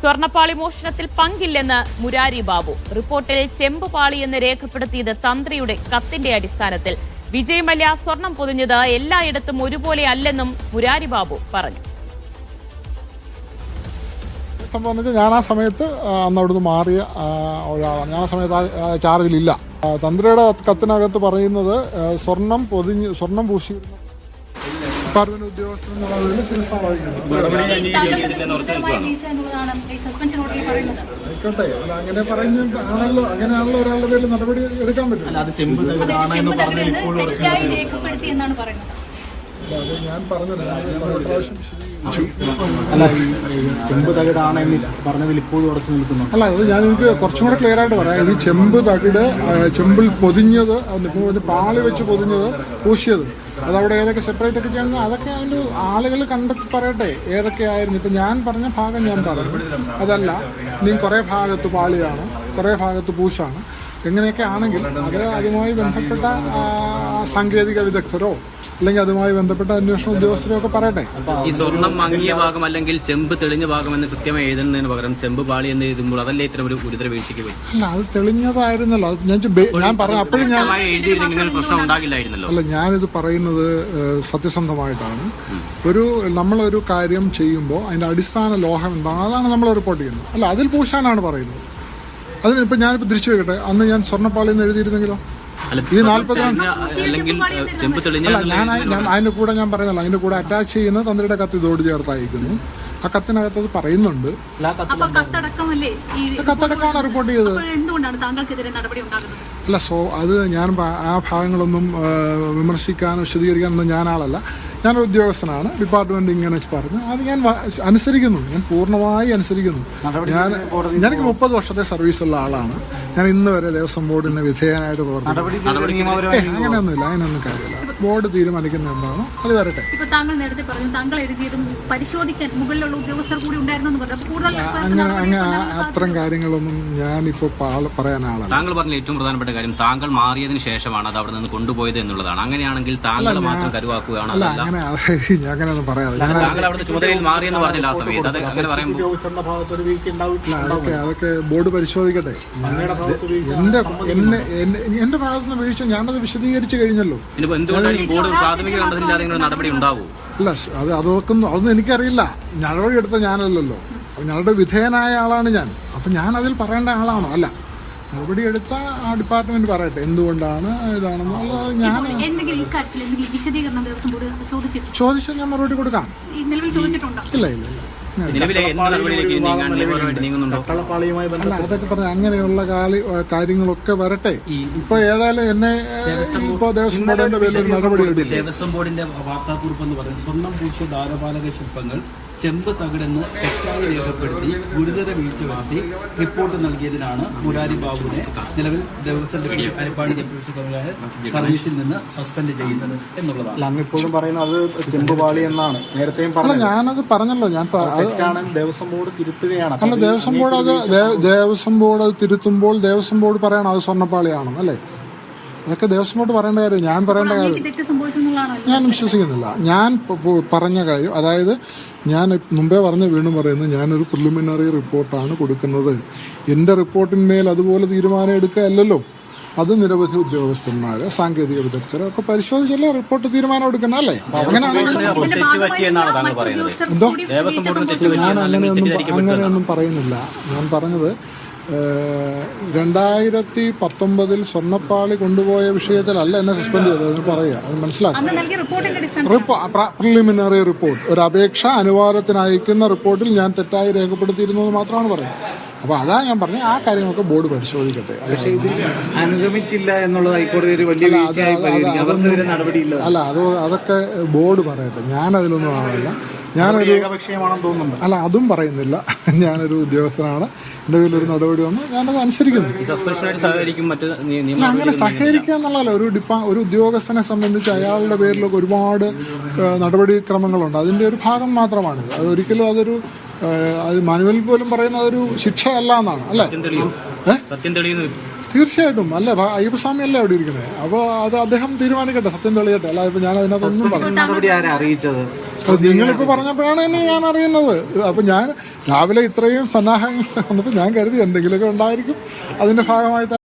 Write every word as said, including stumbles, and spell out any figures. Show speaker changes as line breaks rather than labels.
സ്വർണ്ണപ്പാളി മോഷണത്തിൽ പങ്കില്ലെന്ന് മുരാരി ബാബു. റിപ്പോർട്ടിൽ ചെമ്പുപാളി എന്ന് രേഖപ്പെടുത്തിയത് തന്ത്രിയുടെ കത്തിന്റെ അടിസ്ഥാനത്തിൽ. വിജയ് മല്യ സ്വർണം പൊതിഞ്ഞത് എല്ലായിടത്തും ഒരുപോലെ അല്ലെന്നും മുരാരി ബാബു പറഞ്ഞു.
സംബന്ധിച്ച് ഞാൻ ആ സമയത്ത് അന്ന് അവിടുന്ന് മാറിയ ഒരാളാണ്. ഞാൻ ആ സമയത്ത് ആ ചാർജിലില്ല. തന്ത്രിയുടെ കത്തിനകത്ത് പറയുന്നത് സ്വർണം പൊതിഞ്ഞ് സ്വർണം പൂശിയിരുന്ന ഡിപ്പാർട്ട്മെന്റ് ഉദ്യോഗസ്ഥൻ ആയിക്കോട്ടെ. അല്ല അങ്ങനെ പറയുന്നത് ആണല്ലോ, അങ്ങനെയാണല്ലോ ഒരാളുടെ പേരിൽ നടപടി എടുക്കാൻ പറ്റും.
അത്
ഞാൻ പറഞ്ഞത്
അല്ല, ചെമ്പ് തകിടാണെന്നില്ല പറഞ്ഞതിൽ ഇപ്പോഴും ഉറച്ചു നിൽക്കുന്നു.
അല്ല, അത് ഞാൻ എനിക്ക് കുറച്ചും കൂടെ ക്ലിയർ ആയിട്ട് പറയാം. ഇത് ചെമ്പ് തകിട് ചെമ്പിൽ പൊതിഞ്ഞത്, പാളി വെച്ച് പൊതിഞ്ഞത്, പൂശിയത്, അതവിടെ ഏതൊക്കെ സെപ്പറേറ്റ് ഒക്കെ ചെയ്യുന്നത് അതൊക്കെ അതിൻ്റെ ആളുകൾ കണ്ടെത്തി പറയട്ടെ ഏതൊക്കെയായിരുന്നു. ഇപ്പം ഞാൻ പറഞ്ഞ ഭാഗം ഞാൻ പറഞ്ഞു. അതല്ല, നീ കുറേ ഭാഗത്ത് പാളിയാണ്, കുറേ ഭാഗത്ത് പൂശാണ്, എങ്ങനെയൊക്കെ ആണെങ്കിൽ അത് അതുമായി ബന്ധപ്പെട്ട സാങ്കേതിക വിദഗ്ധരോ അല്ലെങ്കിൽ അതുമായി ബന്ധപ്പെട്ട അന്വേഷണ ഉദ്യോഗസ്ഥരോ ഒക്കെ പറയട്ടെ.
ഈ സ്വർണം മങ്ങിയ ഭാഗം അല്ലെങ്കിൽ ചെമ്പ് തെളിഞ്ഞ ഭാഗം എന്ന് കൃത്യമായി എഴുതുന്നതിന് പകരം ചെമ്പ് പാളി എന്ന് എഴുതുമ്പോൾ അതല്ലേ ഇത്തരം ഒരു ഗുരുതര വീഴ്ചയ്ക്ക് പോയി?
അല്ല, അത് തെളിഞ്ഞതായിരുന്നല്ലോ. ഞാൻ ഞാൻ പറഞ്ഞു അപ്പോഴും ഞാൻ
പ്രശ്നം ഉണ്ടാകില്ലായിരുന്നല്ലോ.
അല്ല, ഞാനിത് പറയുന്നത് സത്യസന്ധമായിട്ടാണ്. ഒരു നമ്മളൊരു കാര്യം ചെയ്യുമ്പോൾ അതിന്റെ അടിസ്ഥാന ലോഹം എന്താണ് അതാണ് നമ്മൾ റിപ്പോർട്ട് ചെയ്യുന്നത്. അല്ല, അതിൽ പൂശാനാണ് പറയുന്നത്. അതിന് ഇപ്പം ഞാനിപ്പോൾ തിരിച്ചു വെക്കട്ടെ, അന്ന് ഞാൻ സ്വർണ്ണപ്പാളി എന്ന് എഴുതിയിരുന്നെങ്കിലോ ഈ നാല്പത്തിരണ്ട് അല്ല ഞാൻ ഞാൻ അതിന്റെ കൂടെ ഞാൻ പറയുന്നല്ലോ, അതിന്റെ കൂടെ അറ്റാച്ച് ചെയ്യുന്ന തന്ത്രിയുടെ കത്ത് ഇതോട് ചേർത്ത് അയക്കുന്നു. ആ കത്തിനകത്ത് അത് പറയുന്നുണ്ട്. കത്തടക്കമാണ് റിപ്പോർട്ട് ചെയ്തത്. അല്ല, സോ അത് ഞാൻ ആ ഭാഗങ്ങളൊന്നും വിമർശിക്കാനോ വിശദീകരിക്കാനൊന്നും ഞാൻ ആളല്ല. ഞാനൊരു ഉദ്യോഗസ്ഥനാണ്. ഡിപ്പാർട്ട്മെന്റ് ഇങ്ങനെ പറഞ്ഞു, അത് ഞാൻ അനുസരിക്കുന്നു. ഞാൻ പൂർണ്ണമായി അനുസരിക്കുന്നു. ഞാൻ എനിക്ക് മുപ്പത് വർഷത്തെ സർവീസുള്ള ആളാണ്. ഞാൻ ഇന്ന് വരെ ദേവസ്വം ബോർഡിന് വിധേയനായിട്ട് പ്രവർത്തിക്കുന്നു. അങ്ങനെയൊന്നുമില്ല, അതിനൊന്നും കാര്യമില്ല. ബോർഡ് തീരുമാനിക്കുന്ന എന്താണോ അത് വരട്ടെ. അങ്ങനെ അങ്ങനെ അത്തരം കാര്യങ്ങളൊന്നും ഞാനിപ്പോ പറയാൻ ആളല്ല.
താങ്കൾ പറഞ്ഞ ഏറ്റവും പ്രധാനപ്പെട്ട കാര്യം താങ്കൾ മാറിയതിനു ശേഷമാണ് അത് അവിടെ നിന്ന് കൊണ്ടുപോയത് എന്നുള്ളതാണ്. അങ്ങനെയാണെങ്കിൽ താങ്കൾ മാത്രം കരുവാക്കുകയാണ്.
അങ്ങനെ അങ്ങനെയൊന്നും പറയാതെ അതൊക്കെ അതൊക്കെ ബോർഡ് പരിശോധിക്കട്ടെ. എന്റെ എന്നെ എന്റെ ഭാഗത്തുനിന്ന് വീഴ്ച ഞാനത് വിശദീകരിച്ചു കഴിഞ്ഞല്ലോ. അല്ല, അത് അതൊക്കെ അതൊന്നും എനിക്കറിയില്ല. നടപടി എടുത്ത ഞാനല്ലല്ലോ, ഞങ്ങളുടെ വിധേയനായ ആളാണ് ഞാൻ. അപ്പൊ ഞാൻ അതിൽ പറയേണ്ട ആളാണോ? അല്ല, നടപടി എടുത്ത ആ ഡിപ്പാർട്ട്മെന്റ് പറയട്ടെ എന്തുകൊണ്ടാണ് ഇതാണെന്നുള്ളത്. ഞാൻ ചോദിച്ചാൽ ഞാൻ മറുപടി കൊടുക്കാം. ഇല്ല ഇല്ല ഇല്ല അല്ല, അതൊക്കെ പറഞ്ഞ അങ്ങനെയുള്ള കാര്യങ്ങളൊക്കെ വരട്ടെ. ഇപ്പൊ ഏതായാലും എന്നെ ഇപ്പൊ ദേവസ്വം ബോർഡിന്റെ പേരിൽ നടപടി എടുക്കും.
ദേവസ്വം ബോർഡിന്റെ വാർത്താക്കുറിപ്പ് എന്ന് പറയുന്നത് സ്വർണം പൂശിയ ദ്വാരപാലക ശില്പങ്ങൾ ചെമ്പ് തകിടെന്ന് തെറ്റായി രേഖപ്പെടുത്തി ഗുരുതര വീഴ്ച വരുത്തി റിപ്പോർട്ട് നൽകിയതിനാണ് മുരാരി ബാബുവിനെ നിലവിൽ ദേവസ്വം അരിപ്പാടി ഡെപ്യൂട്ടി കമ്മീഷണർ സർവീസിൽ നിന്ന് സസ്പെൻഡ് ചെയ്യുന്നത് എന്നുള്ളതാണ്. അങ്ങ് ഇപ്പോഴും പറയുന്നത് അത് ചെമ്പുപാളി എന്നാണ്. നേരത്തെയും പറഞ്ഞത് ഞാനത് പറഞ്ഞല്ലോ. ഞാൻ ദേവസ്വം ബോർഡ് തിരുത്തുകയാണ്. അല്ല, ദേവസ്വം ബോർഡ് അത് ദേവസ്വം ബോർഡ് അത് തിരുത്തുമ്പോൾ ദേവസ്വം ബോർഡ് പറയണം അത് സ്വർണ്ണപ്പാളിയാണെന്ന് അല്ലേ? അതൊക്കെ ദേവസ്വം ബോർഡ് പറയേണ്ട കാര്യം, ഞാൻ പറയേണ്ട കാര്യം ഞാൻ വിശ്വസിക്കുന്നില്ല. ഞാൻ പറഞ്ഞ കാര്യം, അതായത് ഞാൻ മുമ്പേ പറഞ്ഞ വീണ്ടും പറയുന്നത്, ഞാനൊരു പ്രിലിമിനറി റിപ്പോർട്ടാണ് കൊടുക്കുന്നത്. എൻ്റെ റിപ്പോർട്ടിന്മേൽ അതുപോലെ തീരുമാനം എടുക്കുകയല്ലല്ലോ. അത് നിരവധി ഉദ്യോഗസ്ഥന്മാര് സാങ്കേതിക വിദഗ്ധരെ ഒക്കെ പരിശോധിച്ചല്ലേ റിപ്പോർട്ട് തീരുമാനം എടുക്കുന്ന അല്ലേ? അങ്ങനെയാണെങ്കിൽ എന്തോ ഞാൻ അങ്ങനെയൊന്നും അങ്ങനെയൊന്നും പറയുന്നില്ല. ഞാൻ പറഞ്ഞത് രണ്ടായിരത്തി പത്തൊമ്പതിൽ സ്വർണ്ണപ്പാളി കൊണ്ടുപോയ വിഷയത്തിലല്ല എന്നെ സസ്പെൻഡ് ചെയ്തത് എന്ന് പറയുക. അത് മനസ്സിലാക്കുക. പ്രിലിമിനറി റിപ്പോർട്ട്, ഒരു അപേക്ഷ അനുവാദത്തിന് അയക്കുന്ന റിപ്പോർട്ടിൽ ഞാൻ തെറ്റായി രേഖപ്പെടുത്തിയിരുന്നത് മാത്രമാണ് പറയുന്നത്. അപ്പൊ അതാ ഞാൻ പറഞ്ഞ ആ കാര്യങ്ങളൊക്കെ ബോർഡ് പരിശോധിക്കട്ടെ. അനുഗമിച്ചില്ല എന്നുള്ളത് ഹൈക്കോടതി ഒരു വലിയ
അല്ല, അത് അതൊക്കെ ബോർഡ് പറയട്ടെ. ഞാൻ അതിലൊന്നും ആളല്ല. ഞാനൊരു അല്ല അതും പറയുന്നില്ല. ഞാനൊരു ഉദ്യോഗസ്ഥനാണ്. എൻ്റെ പേരിലൊരു നടപടി വന്നു, ഞാനത് അനുസരിക്കുന്നു. അങ്ങനെ സഹകരിക്കുക എന്നുള്ളതല്ല. ഒരു ഡിപ്പാ ഒരു ഉദ്യോഗസ്ഥനെ സംബന്ധിച്ച് അയാളുടെ പേരിലൊക്കെ ഒരുപാട് നടപടിക്രമങ്ങളുണ്ട്. അതിൻ്റെ ഒരു ഭാഗം മാത്രമാണിത്. അതൊരിക്കലും അതൊരു അത് മാനുവൽ പോലും പറയുന്ന അതൊരു ശിക്ഷയല്ല എന്നാണ് അല്ലേ? തീർച്ചയായിട്ടും. അല്ല, അയ്യപ്പസ്വാമി അല്ലേ അവിടെ ഇരിക്കണേ. അപ്പോൾ അത് അദ്ദേഹം തീരുമാനിക്കട്ടെ, സത്യം തെളിയട്ടെ. അല്ല, ഇപ്പൊ ഞാൻ അതിനകത്തൊന്നും പറഞ്ഞു. അത് നിങ്ങളിപ്പോൾ പറഞ്ഞപ്പോഴാണ് എന്നെ ഞാൻ അറിയുന്നത്. അപ്പം ഞാൻ രാവിലെ ഇത്രയും സന്നാഹങ്ങൾ വന്നപ്പോൾ ഞാൻ കരുതി എന്തെങ്കിലുമൊക്കെ ഉണ്ടായിരിക്കും അതിൻ്റെ ഭാഗമായിട്ട്